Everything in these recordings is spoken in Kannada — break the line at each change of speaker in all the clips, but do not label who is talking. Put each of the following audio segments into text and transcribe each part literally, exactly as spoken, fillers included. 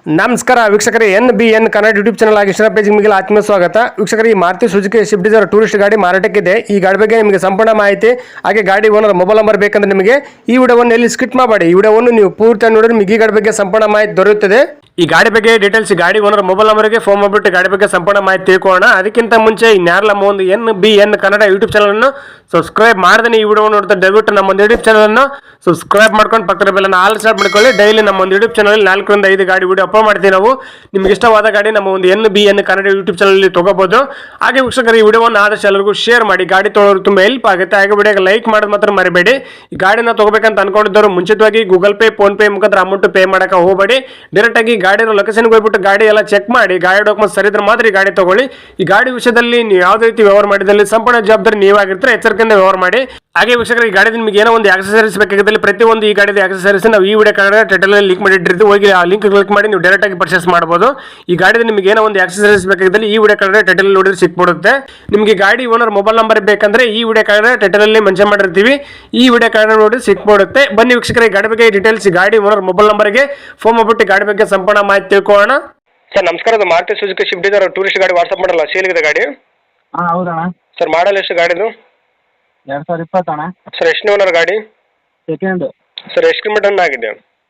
ನಮಸ್ಕಾರ ವೀಕ್ಷಕರೇ, N B N Kannada YouTube channel ಆಗಿ ಇಷ್ಟರ ಪೇಜ್ ನಿಮಗೆ ಆತ್ಮೀಯ ಸ್ವಾಗತ. ವೀಕ್ಷಕರೇ, ಈ Maruti Suzuki Swift Dzire tourist ಗಾಡಿ ಮಾರಾಟಕ್ಕಿದೆ. ಈ ಗಾಡಿ ಬಗ್ಗೆ ನಿಮಗೆ ಸಂಪೂರ್ಣ ಮಾಹಿತಿ ಹಾಗೆ ಗಾಡಿ ಓನರ್ ಮೊಬೈಲ್ ನಂಬರ್ ಬೇಕಂದ್ರೆ ನಿಮಗೆ ಈ ವಿಡಿಯೋವನ್ನು ಎಲ್ಲಿ ಸ್ಕಿಪ್ ಮಾಡಬೇಡಿ. ಈ ವಿಡಿಯೋವನ್ನು ನೀವು ಪೂರ್ತಿ ನೋಡಿದ್ರೆ ನಿಮಗೆ ಈ ಗಾಡಿ ಬಗ್ಗೆ ಸಂಪೂರ್ಣ ಮಾಹಿತಿ ದೊರೆಯುತ್ತದೆ. ಈ ಗಾಡಿ ಬಗ್ಗೆ ಡೀಟೇಲ್ಸ್ ಗಾಡಿ ಓನರ್ ಮೊಬೈಲ್ ನಂಬರ್ಗೆ ಫೋನ್ ಮಾಡಿಬಿಟ್ಟು ಗಾಡಿ ಬಗ್ಗೆ ಸಂಪೂರ್ಣ ಮಾಹಿತಿ ತಿಳ್ಕೊಳ್ಳೋಣ. ಅದಕ್ಕಿಂತ ಮುಂಚೆ ಇನ್ಯಾರಲ್ಲ ನಮ್ಮ ಒಂದು N B N Kannada YouTube channel ಅನ್ನು ಸಬ್ಸ್ಕ್ರೈಬ್ ಮಾಡದೇ ಈ ವಿಡಿಯೋ ನೋಡ್ತಾ ದಯವಿಟ್ಟು ನಮ್ಮ ಒಂದು ಯೂಟ್ಯೂಬ್ ಚಾನಲ್ ಅನ್ನು ಸಬ್ಸ್ಕ್ರೈಬ್ ಮಾಡ್ಕೊಂಡು ಪಕ್ಕದ ಬೆಲ್ಲನ್ನು ಆಲ್ ಸ್ಟಾರ್ಟ್ ಮಾಡ್ಕೊಳ್ಳಿ. ಡೈಲಿ ನಮ್ಮ ಒಂದು ಯೂಟ್ಯೂಬ್ ಚಾನಲ್ ನಾಲ್ಕರಿಂದ ಐದು ಗಾಡಿ ವಿಡಿಯೋ ಅಪ್ಲೋಡ್ ಮಾಡ್ತೀವಿ ನಾವು. ನಿಮ್ಗೆ ಇಷ್ಟವಾದ ಗಾಡಿ ನಮ್ಮ ಒಂದು N B N Kannada YouTube channel ತಗೋಬಹುದು. ಹಾಗೆ ವೀಕ್ಷಕರು, ಈ ವಿಡಿಯೋವನ್ನು ಆದಷ್ಟು ಎಲ್ಲರಿಗೂ ಶೇರ್ ಮಾಡಿ. ಗಾಡಿ ತೊಗೊಳ್ಳೋರು ತುಂಬಾ ಹೆಲ್ಪ್ ಆಗುತ್ತೆ. ಹಾಗೆ ವಿಡಿಯೋಗೆ ಲೈಕ್ ಮಾಡೋದು ಮಾತ್ರ ಮರಿಬೇಡಿ. ಈ ಗಾಡಿನ ತಗೋಬೇಕಂತ ಅನ್ಕೊಂಡಿದ್ದವರು ಮುಂಚಿತವಾಗಿ ಗೂಗಲ್ ಪೇ ಫೋನ್ ಪೇ ಮುಖಾಂತರ ಅಮೌಂಟ್ ಪೇ ಮಾಡಕ್ಕೆ ಹೋಗಬೇಡಿ. ಡೈರೆಕ್ಟ್ ಆಗಿ ಗಾಡಿ ಲೊಕೇಶನ್ಗೆ ಹೋಗ್ಬಿಟ್ಟು ಗಾಡಿ ಎಲ್ಲ ಚೆಕ್ ಮಾಡಿ ಗಾಡಿ ಡಾಕ್ಯುಮೆಂಟ್ ಸರಿ ಇದ್ರೆ ಮಾತ್ರ ಈ ಗಾಡಿ ತಗೊಳ್ಳಿ. ಈ ಗಾಡಿ ವಿಷಯದಲ್ಲಿ ನೀವು ಯಾವುದೇ ರೀತಿ ವ್ಯವಹಾರ ಮಾಡಿದಲ್ಲಿ ಸಂಪೂರ್ಣ ಜವಾಬ್ದಾರಿ ನೀವಾಗಿರ್ತಾರೆ. ಎಚ್ಚರಿಕೆಯಿಂದ ವ್ಯವಹಾರ ಮಾಡಿ. ಹಾಗೆ ವೀಕ್ಷಕರು, ಈ ಗಾಡಿ ನಿಮಗೆ ಏನೋ ಒಂದು ಆಕ್ಸೆಸರೀಸ್ ಬೇಕಾಗಿದ್ದಲ್ಲಿ ಪ್ರತಿಯೊಂದು ಈ ಗಾಡಿದ ಆಕ್ಸೆಸರೀಸ್ ನಾವು ಈ ವಿಡಿಯೋ ಕಾರ್ಡ್ ಟೈಟಲ್ ಲಿಂಕ್ ಮಾಡಿಟ್ಟಿರ್ತೀವಿ. ಹೋಗಿ ಆ ಲಿಂಕ್ ಕ್ಲಿಕ್ ಮಾಡಿ ನೀವು ಡೈರೆಕ್ಟ್ ಆಗಿ ಪರ್ಚೇಸ್ ಮಾಡಬಹುದು. ಈ ಗಾಡಿದ ನಿಮಗೆ ಏನೋ ಒಂದು ಆಕ್ಸೆಸರೀಸ್ ಬೇಕಾಗಿದ್ದಲ್ಲಿ ಈ ವಿಡಿಯೋ ಕಾರ್ಡ್ ಟೈಟಲ್ ನೋಡಿದ್ರೆ ಸಿಕ್ಬಿಡುತ್ತೆ. ನಿಮಗೆ ಗಾಡಿ ಓನರ್ ಮೊಬೈಲ್ ನಂಬರ್ ಬೇಕಂದ್ರೆ ಈ ವಿಡಿಯೋ ಕಾರ್ಡ್ ಟೈಟಲ್ ಅಲ್ಲಿ ಮೆನ್ಷನ್ ಮಾಡಿರ್ತೀವಿ. ಈ ವಿಡಿಯೋ ಕಾರ್ಡ್ ನೋಡಿ ಸಿಕ್ಬಿಡುತ್ತೆ. ಬನ್ನಿ ವೀಕ್ಷಕರ, ಈ ಗಾಡಿ ಬಗ್ಗೆ ಡೀಟೇಲ್ಸ್ ಗಾಡಿ ಓನರ್ ಮೊಬೈಲ್ ನಂಬರ್ಗೆ ಫೋನ್ ಮಾಡ್ಬಿಟ್ಟು ಗಾಡಿ ಬಗ್ಗೆ ಸಂಪೂರ್ಣ ಮಾಹಿತಿ ತಿಳ್ಕೊಳ್ಳೋಣ. ಸರ್ ನಮಸ್ಕಾರ, ಅದು Maruti Suzuki Swift Dzire tourist ಗಾಡಿ ವಾಟ್ಸಪ್ ಮಾಡಲ್ಲ ಸೇಲ್ಗಿದೆ ಗಾಡಿ.
ಹಾಂ ಹೌದಣ್ಣ.
ಸರ್ ಮಾಡಲ್ ಎಷ್ಟು ಗಾಡಿದು?
ಎರಡು ಸಾವಿರ ಇಪ್ಪತ್ತಣ್ಣ.
ಸರ್ ಎಷ್ಟು ಓನರ್ ಗಾಡಿ?
ಸೆಕೆಂಡ್.
ಸರ್ ಎಷ್ಟು ಕಿಲೋಮೀಟರ್ ರನ್ ಆಗಿದೆ?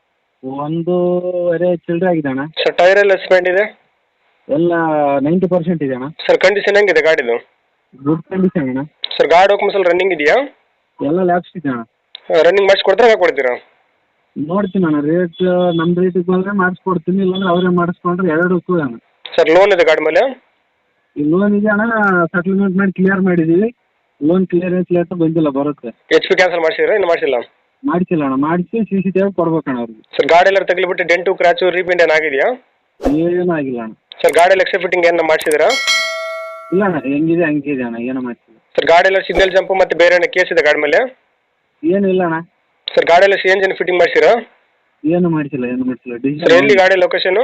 ಒಂದೂವರೆ ಚಿಲ್ಲರೆ ಆಗಿದೆ ಅಣ್ಣ.
ಸರ್ ಟೈರ್ ಎಲ್ಲ ಸ್ಪೆಂಡ್ ಇದೆ?
ಎಲ್ಲ ನೈಂಟಿ ಪರ್ಸೆಂಟ್ ಇದೆ ಅಣ್ಣ.
ಸರ್ ಕಂಡೀಷನ್ ಹೆಂಗಿದೆ ಗಾಡಿದು?
ಗುಡ್ ಕಂಡೀಷನ್ ಅಣ್ಣ.
ಸರ್ ಗಾಡಿ ಡಾಕ್ಯುಮೆಂಟ್ಸ್ ಎಲ್ಲ ರನ್ನಿಂಗ್ ಇದೆಯಾ?
ಎಲ್ಲ ಲ್ಯಾಬ್ಸ್ ಇದೆ ಅಣ್ಣ.
ರನ್ನಿಂಗ್ ಮಾಡಿಸ್ಕೊಡ್ತಾರೆ ಹಾಗೆ ಕೊಡ್ತೀರಾ?
ನೋಡ್ತೀನಿ ಅಣ್ಣ, ರೇಟ್ ನಮ್ಮ ರೇಟಿಗೆ ಬಂದರೆ ಮಾಡಿಸ್ಕೊಡ್ತೀನಿ, ಇಲ್ಲಾಂದ್ರೆ ಅವರೇ ಮಾಡಿಸ್ಕೊಂಡ್ರೆ ಎರಡಕ್ಕೂ ಅಣ್ಣ.
ಸರ್ ಲೋನ್ ಇದೆ ಗಾಡಿ ಮೇಲೆ?
ಈ ಲೋನ್ ಇದೆ ಅಣ್ಣ, ಸೆಟಲ್ಮೆಂಟ್ ಮಾಡಿ ಕ್ಲಿಯರ್ ಮಾಡಿದ್ದೀವಿ. ಲೋನ್ ಕ್ಲಿಯರೆನ್ಸ್ ಲೆಟರ್ ಬಂದಿಲ್ಲ, ಬರುತ್ತೆ.
ಎಚ್ ಪಿ ಕ್ಯಾನ್ಸಲ್ ಮಾಡಿಸಿದ್ರೆ ಇನ್ನು ಮಾಡಿಸಿಲ್ಲ?
ಮಾಡಿಸಿಲ್ಲ ಅಣ್ಣ, ಮಾಡಿಸಿ ಸಿ ಸಿ ಟಿ ವಿ ಕೊಡ್ಬೇಕಣ್ಣ ಅವ್ರಿಗೆ.
ಸರ್ ಗಾಡಿ ಎಲ್ಲ ತಗಲಿಬಿಟ್ಟು ಡೆಂಟು ಕ್ರಾಚು ರೀಪೇಂಟ್ ಏನು ಆಗಿದೆಯಾ?
ಏನೂ ಆಗಿಲ್ಲ ಅಣ್ಣ.
ಸರ್ ಗಾಡಿ ಎಲ್ಲ ಎಕ್ಸ್ಟ್ರಾ ಫಿಟ್ಟಿಂಗ್ ಏನು ಮಾಡಿಸಿದ್ರಾ?
ಇಲ್ಲ ಅಣ್ಣ, ಹೆಂಗಿದೆ ಹಂಗಿದೆ ಅಣ್ಣ, ಏನೂ ಮಾಡಿಸಿಲ್ಲ.
ಸರ್ ಗಾಡಿ ಎಲ್ಲ ಸಿಗ್ನಲ್ ಜಂಪು ಮತ್ತು ಬೇರೆ ಏನೋ ಕೇಸ್ ಇದೆ ಗಾಡಿ ಮೇಲೆ?
ಏನೂ ಇಲ್ಲ ಅಣ್ಣ.
ಸರ್ ಗಾಡಿ ಎಲ್ಲ ಸಿ ಎಂಜಿನ್ ಫಿಟ್ಟಿಂಗ್ ಮಾಡಿಸಿರಾ?
ಏನು ಮಾಡಿಸಿಲ್ಲ, ಏನು ಮಾಡಿಸಿಲ್ಲ.
ಸರ್
ಡಿಜಿಟಲ್
ಎಲ್ಲಿ ಗಾಡಿ ಲೊಕೇಶನ್?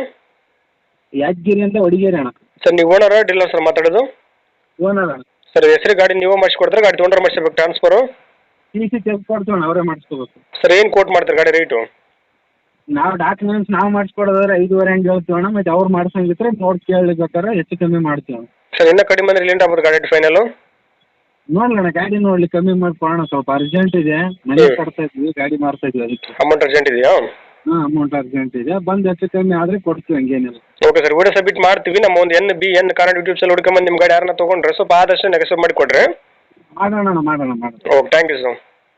ಯಾದಗಿರಿ ಅಂತ ಹೊಡಿಗೇರಿ ಅಣ್ಣ.
ಸರ್ ನೀವು ಓನರ ಡೀಲರ್ ಸರ್ ಮಾತಾಡೋದು?
ಓನರ್ ಅಣ್ಣ.
ಸರ್ ಹೆಸರು ಗಾಡಿ ನೀವು ಮಾಡಿಸ್ಕೊಡ್ತಾರೆ, ಗಾಡಿ ತೊಗೊಂಡ್ರೆ ಮಾಡಿಸ್ಬೇಕು ಟ್ರಾನ್ಸ್ಫರು?
ಟಿ ಸಿ ಚೆಕ್ ಕೊಡ್ತೀವಿ ಅಣ್ಣ, ಅವರೇ ಮಾಡಿಸ್ಕೋಬೇಕು.
ಸರ್ ಏನು ಕೋಟ್ ಮಾಡ್ತಾರೆ ಗಾಡಿ ರೇಟು?
ನಾವು ಡಾಕ್ಯುಮೆಂಟ್ಸ್ ನಾವು ಮಾಡಿಸ್ಕೊಡೋದಾದ್ರೆ ಐದುವರೆ ಹಂಗೆ ಹೇಳ್ತೀವಿ ಅಣ್ಣ. ಮತ್ತು ಅವ್ರು ಮಾಡಿಸಂಗಿದ್ರೆ ನೋಡಿ ಕೇಳಬೇಕಾರೆ ಹೆಚ್ಚು ಕಮ್ಮಿ ಮಾಡ್ತೀವಿ ಅಣ್ಣ.
ಸರ್ ಇನ್ನೂ ಕಡಿಮೆ ಅಂದರೆ ಲಿಂಟ್ ಆಗ್ಬೋದು ಗಾಡಿ ಫೈನಲು?
ನೋಡೋಣ, ಗಾಡಿ ನೋಡ್ಲಿ ಕಮ್ಮಿ ಮಾಡ್ಕೊಳ್ಳೋಣ. ಸ್ವಲ್ಪ ಅರ್ಜೆಂಟ್ ಇದೆ, ಮನೆ ಕೊಡ್ತಾ ಇದ್ವಿ, ಗಾಡಿ ಮಾರ್ತಾ ಇದ್ವಿ, ಅದಕ್ಕೆ
ಅಮೌಂಟ್ ಅರ್ಜೆಂಟ್ ಇದೆಯಾ?
ಹಾಂ, ಅಮೌಂಟ್ ಅರ್ಜೆಂಟ್ ಇದೆ. ಬಂದು ಹೆಚ್ಚು ಕಮ್ಮಿ ಆದರೆ ಕೊಡ್ತೀವಿ, ಹಂಗೇನಿಲ್ಲ.
ಓಕೆ ಸರ್, ವಿಡಿಯೋ ಸಬ್ಮಿಟ್ ಮಾಡ್ತೀವಿ. ನಮ್ಮ ಒಂದು N B N Kannada YouTube channel ಹುಡ್ಕೊಂಬಂದು ನಿಮ್ಮ ಗಾಡಿ ಯಾರನ್ನ ತೊಗೊಂಡ್ರೆ ಸ್ವಲ್ಪ ಆದಷ್ಟು ನೆಗೆಸಬ್ ಮಾಡಿ ಕೊಡ್ರಿ.
ಮಾಡೋಣ ಮಾಡೋಣ ಮಾಡೋಣ.
Okay, thank you sir.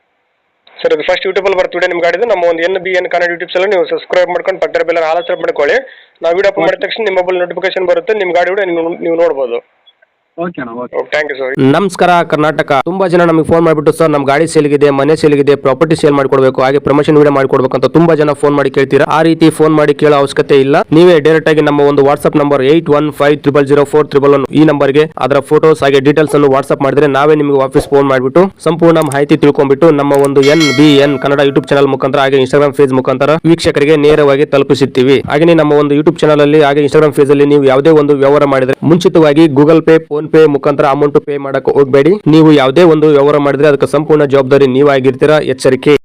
Sir ಅದು ಫಸ್ಟ್ ಯೂಟ್ಯೂಬಲ್ಲಿ ಬರ್ತೀವಿ ನಿಮ್ಮ ಗಾಡಿದು. ನಮ್ಮ ಒಂದು N B N Kannada YouTube channel ನೀವು ಸಬ್ಸ್ಕ್ರೈಬ್ ಮಾಡ್ಕೊಂಡು ಪಕ್ಕದ ಬೆಲ್ಲ ಆಲ್ ಸ್ಟಾರ್ಟ್ ಮಾಡ್ಕೊಳ್ಳಿ. ನಾವು ವಿಡಿಯೋ ಅಪ್ಲೋಡ್ ಮಾಡಿದ ತಕ್ಷಣ ನಿಮ್ಮ ಮೊಬೈಲ್ ನೋಟಿಫಿಕೇಶನ್ ಬರುತ್ತೆ, ನಿಮ್ಮ ಗಾಡಿ ವಿಡಿಯೋ ನೀವು ನೀವು ನೋಡ್ಬೋದು.
ಓಕೆ ಅಣ್ಣ, ಓಕೆ.
Thank you sir.
ನಮಸ್ಕಾರ ಕರ್ನಾಟಕ. ತುಂಬಾ ಜನ ನಮಗೆ ಫೋನ್ ಮಾಡಿಬಿಟ್ಟು ಸರ್ ನಮ್ಮ ಗಾಡಿ ಸೇಲ್ಗಿದೆ, ಮನೆ ಸೇಲ್ಗಿದೆ, ಪ್ರಾಪರ್ಟಿ ಸೇಲ್ ಮಾಡಿಕೊಡ್ಬೇಕು, ಹಾಗೆ ಪ್ರಮೋಷನ್ ವಿಡಿಯೋ ಮಾಡಿಕೊಡ್ಬೇಕು ಅಂತ ತುಂಬಾ ಜನ ಫೋನ್ ಮಾಡಿ ಕೇಳ್ತೀರಾ. ಆ ರೀತಿ ಫೋನ್ ಮಾಡಿ ಕೇಳೋ ಅವಶ್ಯಕತೆ ಇಲ್ಲ. ನೀವೇ ಡೈರೆಕ್ಟ್ ಆಗಿ ನಮ್ಮ ಒಂದು WhatsApp number eight one five triple zero four triple one ಈ ನಂಬರ್ಗೆ ಅದರ ಫೋಟೋಸ್ ಹಾಗೆ ಡೀಟೇಲ್ಸ್ ಅನ್ನು ವಾಟ್ಸ್ಆಪ್ ಮಾಡಿದ್ರೆ ನಾವೇ ನಿಮಗೆ ವಾಪಸ್ ಫೋನ್ ಮಾಡಿಬಿಟ್ಟು ಸಂಪೂರ್ಣ ಮಾಹಿತಿ ತಿಳ್ಕೊಂಡ್ಬಿಟ್ಟು ನಮ್ಮ ಒಂದು N B N Kannada YouTube channel ಮುಖಾಂತರ ಹಾಗೆ ಇನ್ಸ್ಟಾಗ್ರಾಮ್ ಫೇಸ್ ಮುಖಾಂತರ ವೀಕ್ಷಕರಿಗೆ ನೇರವಾಗಿ ತಲುಪಿಸುತ್ತೀವಿ. ಹಾಗೆ ನಮ್ಮ ಒಂದು ಯೂಟ್ಯೂಬ್ ಚಾನಲ್ ಅಲ್ಲಿ ಹಾಗೆ ಇನ್ಸ್ಟಾಗ್ರಾಮ್ ಫೇಸ್ ಅಲ್ಲಿ ನೀವು ಯಾವುದೇ ಒಂದು ವ್ಯವಹಾರ ಮಾಡಿದ್ರೆ ಮುಂಚಿತವಾಗಿ ಗೂಗಲ್ ಪೇ ಫೋನ್ ಪೇ ಮುಖಾಂತರ ಅಮೌಂಟ್ ಪೇ ಮಾಡಕ್ಕೆ ಹೋಗಬೇಡಿ. ನೀವು ಯಾವುದೇ ಒಂದು ವ್ಯವಹಾರ ಮಾಡಿದ್ರೆ ಅದಕ್ಕೆ ಸಂಪೂರ್ಣ ಜವಾಬ್ದಾರಿ ನೀವಾಗಿರ್ತೀರಾ. ಎಚ್ಚರಿಕೆ.